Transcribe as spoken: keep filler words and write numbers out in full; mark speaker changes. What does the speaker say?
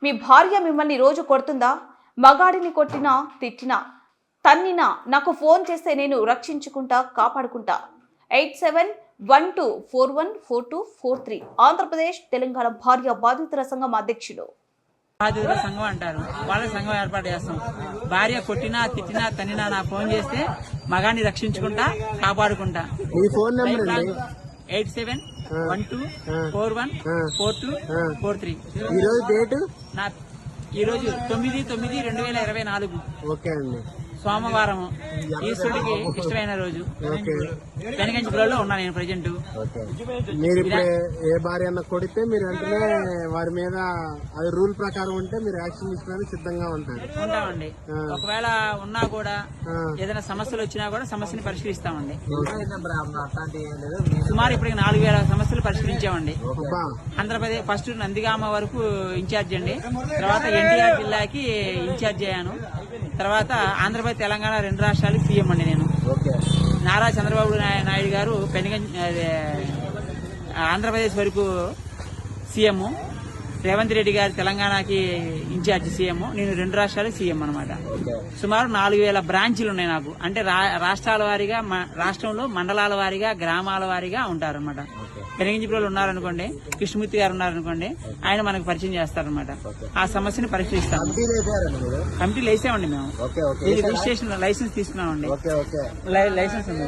Speaker 1: మీ భార్య మిమ్మల్ని రోజు కొడుతుందా? మగాడిని కొట్టినా తిట్టినా తన్నినా నాకు ఫోన్ చేస్తే నేను రక్షించుకుంటా, కాపాడుకుంటా. Eight seven one two four one four two four three Andhra Pradesh Telangana భార్య బాధితుల సంఘం అధ్యక్షుడు.
Speaker 2: బాధితుల సంఘం అంటారు. వాళ్ళ సంఘం ఏర్పాటు చేస్తాం. భార్య కొట్టినా తిట్టినా తన్నినా నా ఫోన్ చేస్తే మగాన్ని రక్షించుకుంటా, కాపాడుకుంటా. Eight seven one two four one four two four three
Speaker 3: ఈ రోజు డేట్
Speaker 2: నా ఈ రోజు తొమ్మిది తొమ్మిది రెండు వేల ఇరవై నాలుగు
Speaker 3: ఓకే అండి.
Speaker 2: సోమవారం, ఈశ్వరుడికి ఇష్టమైన రోజు. పెనగంచిపురంలో ఉన్నా నేను ప్రజెంట్.
Speaker 3: మీరు ఇప్పుడు ఏ భార్య అన్న కొడితే మీరు వెంటనే వారి మీద అది రూల్ ప్రకారం ఉంటే మీరు యాక్షన్ తీసుకోవడానికి సిద్ధంగా ఉంటారు.
Speaker 2: ఉంటామండి. ఒకవేళ ఉన్నా కూడా ఏదైనా సమస్యలు వచ్చినా కూడా సమస్యని పరిష్కరిస్తామండి. సుమారు ఇప్పటికి నాలుగు వేల సమస్యలు పరిష్కరించామండి. ఆంధ్రప్రదేశ్ ఫస్ట్ నందిగామ వరకు ఇన్ఛార్జ్ అండి. తర్వాత ఎన్టీఆర్ జిల్లాకి ఇన్ఛార్జ్ అయ్యాను. తర్వాత ఆంధ్రప్రదేశ్ తెలంగాణ రెండు రాష్ట్రాలకు సీఎం అండి నేను. నారా చంద్రబాబు నాయుడు గారు పెనుగం ఆంధ్రప్రదేశ్ వరకు సీఎం, రేవంత్ రెడ్డి గారు తెలంగాణకి ఇన్ఛార్జ్ సీఎం, నేను రెండు రాష్ట్రాలకు సీఎం అనమాట. సుమారు నాలుగు వేల బ్రాంచీలు ఉన్నాయి నాకు. అంటే రాష్ట్రాల వారీగా, రాష్ట్రంలో మండలాల వారీగా, గ్రామాల వారీగా ఉంటారు అనమాట. పెనగంచిపురంలో ఉన్నారనుకోండి, కృష్ణమూర్తి గారు ఉన్నారనుకోండి, ఆయన మనకు పరిచయం చేస్తారనమాట. ఆ సమస్యను పరిష్కరిస్తాం. కమిటీలు వేసామండి మేము. రిజిస్ట్రేషన్ లైసెన్స్ తీసుకున్నామండి. లైసెన్స్ ఉంది.